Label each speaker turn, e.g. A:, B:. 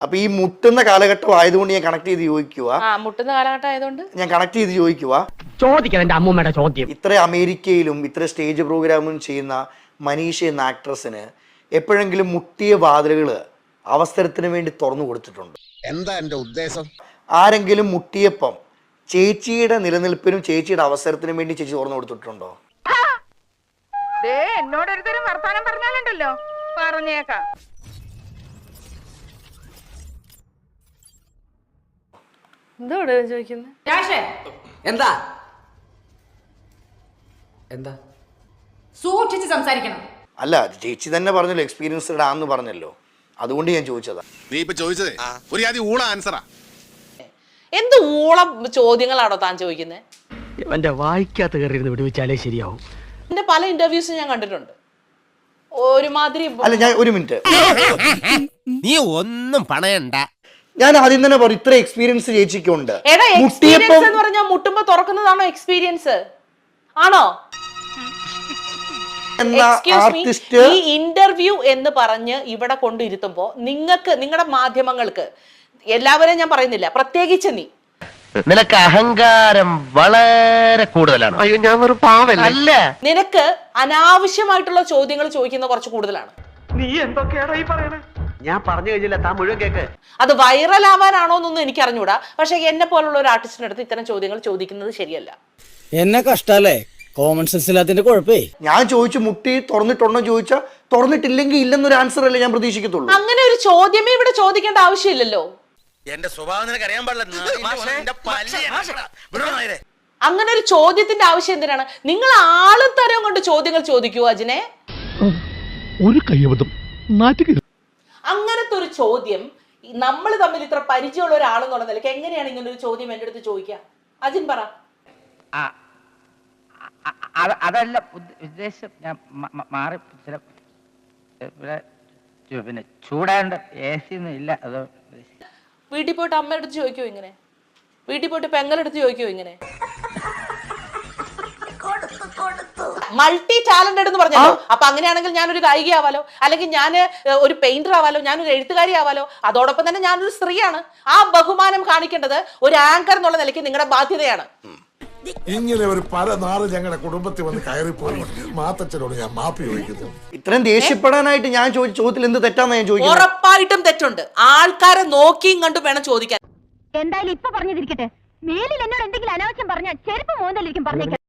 A: അപ്പൊ ഈ മുട്ടുന്ന കാലഘട്ടം ആയതുകൊണ്ട് ഞാൻ കണക്ട് ചെയ്ത് ചോദിക്കുക.
B: മുട്ടുന്ന കാലഘട്ടം ആയതുകൊണ്ട്
A: ഞാൻ കണക്ട് ചെയ്ത് ചോദിക്കുക.
C: ചോദിക്കണം എന്റെ അമ്മൂമ്മയുടെ ചോദ്യം.
A: ഇത്ര അമേരിക്കയിലും ഇത്ര സ്റ്റേജ് പ്രോഗ്രാമും ചെയ്യുന്ന മനീഷ എന്ന ആക്ട്രസിന് എപ്പോഴെങ്കിലും മുട്ടിയ വാതിലുകൾ അവസരത്തിന് വേണ്ടി തുറന്നു കൊടുത്തിട്ടുണ്ട്?
D: എന്താ എന്റെ ഉദ്ദേശം?
A: ആരെങ്കിലും മുട്ടിയപ്പം ചേച്ചിയുടെ നിലനിൽപ്പിനും ചേച്ചിയുടെ അവസരത്തിനും വേണ്ടി ചേച്ചി തുറന്നു കൊടുത്തിട്ടുണ്ടോ?
E: എന്നോടൊരുത്തരും വർത്താനം പറഞ്ഞാലുണ്ടല്ലോ, പറഞ്ഞേക്കാം.
B: എന്തോട് ചോദിക്കുന്നത്?
F: എന്താ എന്താ
E: സൂക്ഷിച്ച് സംസാരിക്കണം.
A: അല്ല, ചേച്ചി തന്നെ പറഞ്ഞല്ലോ എക്സ്പീരിയൻസ്ഡ് ആണെന്ന് പറഞ്ഞല്ലോ, അതുകൊണ്ട് ഞാൻ ചോദിച്ചതാ.
D: നീ ഇപ്പൊ ചോദിച്ചതേ ഒരു ആദ്യം ഊള ആൻസറാ.
B: എന്ത് ഊളം ചോദ്യങ്ങളാണോ താൻ ചോദിക്കുന്നത്?
C: എന്റെ വായിക്കാത്ത കയറിയിരുന്ന് വിടുവിച്ചാലേ ശരിയാവും.
B: എന്റെ പല ഇന്റർവ്യൂസും ഞാൻ കണ്ടിട്ടുണ്ട്. ഒരുമാതിരി
A: അല്ല, ഞാൻ ഒരു മിനിറ്റ്,
G: നീ ഒന്നും പണയണ്ട.
A: ഞാൻ ആദ്യം തന്നെ പറയും, ഇത്ര എക്സ്പീരിയൻസ് ചേച്ചിക്കുണ്ട്.
B: എടാ, എക്സ്പീരിയൻസ് എന്ന് പറഞ്ഞാൽ മുട്ടുമ്പോ തുറക്കുന്നതാണോ എക്സ്പീരിയൻസ്? ആണോ? ഈ ഇന്റർവ്യൂ എന്ന് പറഞ്ഞ് ഇവിടെ കൊണ്ടിരുത്തുമ്പോ നിങ്ങൾക്ക്, നിങ്ങളുടെ മാധ്യമങ്ങൾക്ക്, എല്ലാവരെയും ഞാൻ പറയുന്നില്ല, പ്രത്യേകിച്ച് നീ,
C: നിനക്ക് അഹങ്കാരം വളരെ കൂടുതലാണ്. അയ്യോ, ഞാൻ ഒരു പാവല്ല. അല്ല,
B: നിനക്ക് അനാവശ്യമായിട്ടുള്ള ചോദ്യങ്ങൾ ചോദിക്കുന്ന കുറച്ച് കൂടുതലാണ്.
C: നീ എന്തൊക്കെയാണോ ഈ പറയണേ? ഞാൻ പറഞ്ഞു കഴിഞ്ഞില്ല, താൻ മുഴുവൻ കേക്ക്.
B: അത് വൈറൽ ആവാനാണോ എന്നൊന്നും എനിക്ക് അറിഞ്ഞൂടാ. പക്ഷെ എന്നെ പോലുള്ള ഒരു ആർട്ടിസ്റ്റിന്റെ അടുത്ത് ഇത്തരം ചോദ്യങ്ങൾ ചോദിക്കുന്നത് ശരിയല്ല.
H: എന്നെ കഷ്ടല്ലേ, കോമൺ സെൻസ് ഇല്ലാത്തതിന്റെ കുഴപ്പേ.
A: ഞാൻ ചോദിച്ചു മുട്ടി തുറന്നിട്ടുണ്ടോ ചോദിച്ചാ തുറന്നിട്ടില്ലെങ്കിൽ ഇല്ലെന്നൊരു ആൻസർ അല്ലേ ഞാൻ പ്രതീക്ഷിക്കത്തുള്ളൂ.
B: അങ്ങനെ ഒരു ചോദ്യമേ ഇവിടെ ചോദിക്കേണ്ട ആവശ്യമില്ലല്ലോ.
G: എന്റെ സ്വഭാവം നിനക്ക് അറിയാൻ പാടില്ല.
B: അങ്ങനെ ഒരു ചോദ്യത്തിന്റെ ആവശ്യം എന്തിനാണ്? നിങ്ങൾ ആളുതരം കൊണ്ട് ചോദ്യങ്ങൾ ചോദിക്കൂ അജിനെ.
I: ഒരു കയ്യബദ്ധം നാറ്റുക.
B: അങ്ങനത്തെ ഒരു ചോദ്യം നമ്മൾ തമ്മിൽ ഇത്ര പരിചയമുള്ള ഒരാളെന്നുള്ള നിലയ്ക്ക് എങ്ങനെയാണ് ഇങ്ങനെ ഒരു ചോദ്യം എന്റെ അടുത്ത് ചോദിക്കുക? അജിൻ പറ.
F: അതല്ല ഉദ്ദേശം, ഞാൻ മാറി ചില പിന്നെ ചൂടാണ്ട് AC ഒന്നും ഇല്ല. അതോ
B: വീട്ടിൽ പോയിട്ട് അമ്മയുടെ അടുത്ത് ചോദിക്കോ ഇങ്ങനെ? വീട്ടിൽ പോയിട്ട് പെങ്ങളെടുത്ത് ചോദിക്കോ ഇങ്ങനെ? മൾട്ടി ടാലന്റഡ് എന്ന് പറഞ്ഞല്ലോ. അപ്പൊ അങ്ങനെയാണെങ്കിൽ ഞാനൊരു ഗായികയാവാലോ, അല്ലെങ്കിൽ ഞാൻ ഒരു പെയിന്റർ ആവാലോ, ഞാനൊരു എഴുത്തുകാരി ആവാലോ. അതോടൊപ്പം തന്നെ ഞാനൊരു സ്ത്രീയാണ്. ആ ബഹുമാനം കാണിക്കേണ്ടത് ഒരു ആങ്കർ എന്നുള്ള നിലയ്ക്ക് നിങ്ങളുടെ ബാധ്യതയാണ്.
J: ഇങ്ങനെ ഒരു പല നാള് ഞങ്ങളുടെ കുടുംബത്തിൽ വന്ന് കയറിപ്പോയി മാത്തച്ഛനോട് ഞാൻ മാപ്പി ചോദിക്കുന്നു.
A: ഇത്രയും ദേഷ്യപ്പെടാനായിട്ട് ഞാൻ ചോദിച്ച ചോദ്യത്തിൽ എന്ത് തെറ്റാന്ന് ഞാൻ ചോദിക്കുന്നത്?
B: ഉറപ്പായിട്ടും തെറ്റുണ്ട്. ആൾക്കാരെ നോക്കിയും കണ്ടും വേണം ചോദിക്കാൻ.
E: എന്തായാലും ഇപ്പൊ പറഞ്ഞതിരിക്കട്ടെ, മേലിൽ എന്നോട് എന്തെങ്കിലും അനാവശ്യം പറഞ്ഞാൽ ചെരുപ്പ് മോന്തലിരിക്കും പറഞ്ഞേക്കാം.